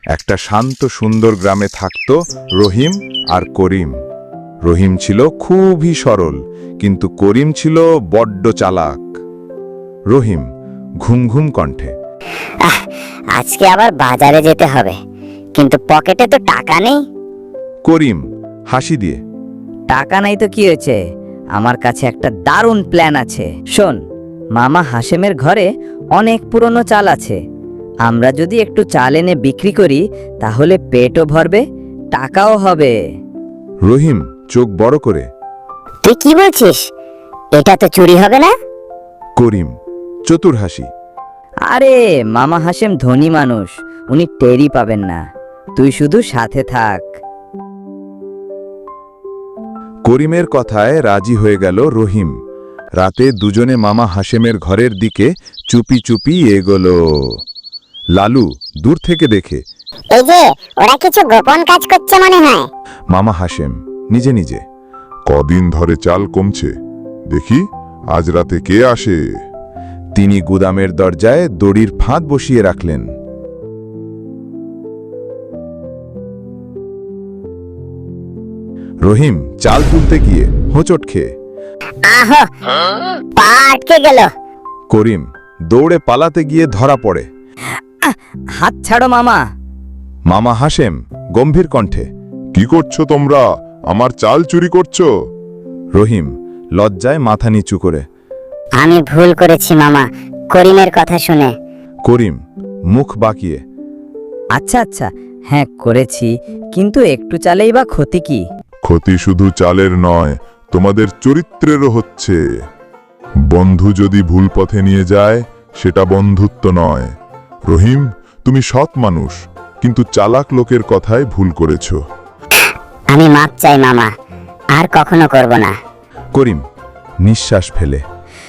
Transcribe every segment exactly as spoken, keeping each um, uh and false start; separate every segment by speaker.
Speaker 1: একটা শান্ত সুন্দর গ্রামে থাকত রহিম আর করিম। রহিম ছিল খুবই সরল, কিন্তু করিম ছিল বড্ড চালাক। রহিম ঘুম ঘুম কণ্ঠে,
Speaker 2: আহ, আজকে আবার বাজারে যেতে হবে, কিন্তু পকেটে তো টাকা নেই।
Speaker 1: করিম হাসি দিয়ে,
Speaker 3: টাকা নাই তো কি হয়েছে, আমার কাছে একটা দারুণ প্ল্যান আছে। শোন, মামা হাশেমের ঘরে অনেক পুরনো চাল আছে। আমরা যদি একটু চাল এনে বিক্রি করি, তাহলে পেটও ভরবে, টাকাও হবে।
Speaker 1: রহিম চোখ বড় করে,
Speaker 2: তুই কি বলছিস? এটা তো চুরি হবে না?
Speaker 1: করিম চতুর হাসি,
Speaker 3: আরে মামা হাশেম ধনী মানুষ, উনি টেরই পাবেন না। তুই শুধু সাথে থাক।
Speaker 1: করিমের কথায় রাজি হয়ে গেল রহিম। রাতে দুজনে মামা হাশেমের ঘরের দিকে চুপি চুপি এগোলো। লালু দূর থেকে দেখে,
Speaker 2: এই যে ওরা কিছু গোপন কাজ করছে মনে হয়।
Speaker 1: মামা হাশেম নিজে নিজে,
Speaker 4: কদিন ধরে চাল কমছে, দেখি আজ রাতে কে আসে।
Speaker 1: তিনি গুদামের দরজায় দড়ির ফাঁদ বসিয়ে রাখলেন। রহিম চাল তুলতে গিয়ে হোঁচট খেয়ে,
Speaker 2: আহো, পা আটকে গেল।
Speaker 1: করিম দৌড়ে পালাতে গিয়ে ধরা পড়ে।
Speaker 3: হাত ছাড়ো মামা।
Speaker 1: মামা হাশেম গম্ভীর কণ্ঠে,
Speaker 4: কি করছো তোমরা? আমার চাল চুরি করছো?
Speaker 1: রহিম লজ্জায় মাথা নিচু করে,
Speaker 2: আমি ভুল করেছি মামা, করিমের কথা শুনে।
Speaker 1: করিম মুখ বাঁকিয়ে,
Speaker 3: আচ্ছা আচ্ছা, হ্যাঁ করেছি, কিন্তু একটু চালেই বা ক্ষতি কি?
Speaker 4: ক্ষতি শুধু চালের নয়, তোমাদের চরিত্রেরও হচ্ছে। বন্ধু যদি ভুল পথে নিয়ে যায়, সেটা বন্ধুত্ব নয়। রহিম, তুমি সৎ মানুষ, কিন্তু চালাক লোকের কথায় ভুল করেছ।
Speaker 2: আমি মাপ চাই মামা, আর কখনো করব না।
Speaker 1: করিম নিঃশ্বাস ফেলে,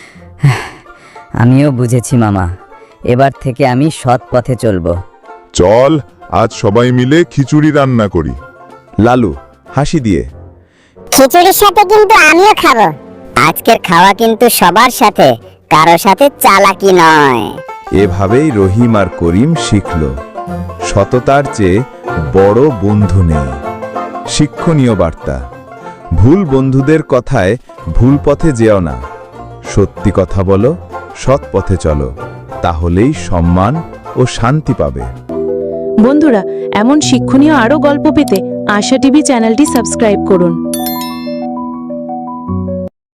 Speaker 3: আমিও বুঝেছি মামা, এবার থেকে আমি সৎ পথে চলবো।
Speaker 4: চল আজ সবাই মিলে খিচুড়ি রান্না করি।
Speaker 1: লালু হাসি দিয়ে,
Speaker 2: খিচুড়ির সাথে কিন্তু আমিও খাবো। আজকের খাওয়া কিন্তু সবার সাথে, কারো সাথে চালাকি নয়।
Speaker 1: এভাবেই রহিম আর করিম শিখল, সততার চেয়ে বড় বন্ধু নেই। শিক্ষণীয় বার্তা, ভুল বন্ধুদের কথায় ভুল পথে যেও না, সত্যি কথা বলো, সৎ পথে চলো, তাহলেই সম্মান ও শান্তি পাবে।
Speaker 5: বন্ধুরা, এমন শিক্ষণীয় আরও গল্প পেতে আশা টিভি চ্যানেলটি সাবস্ক্রাইব করুন।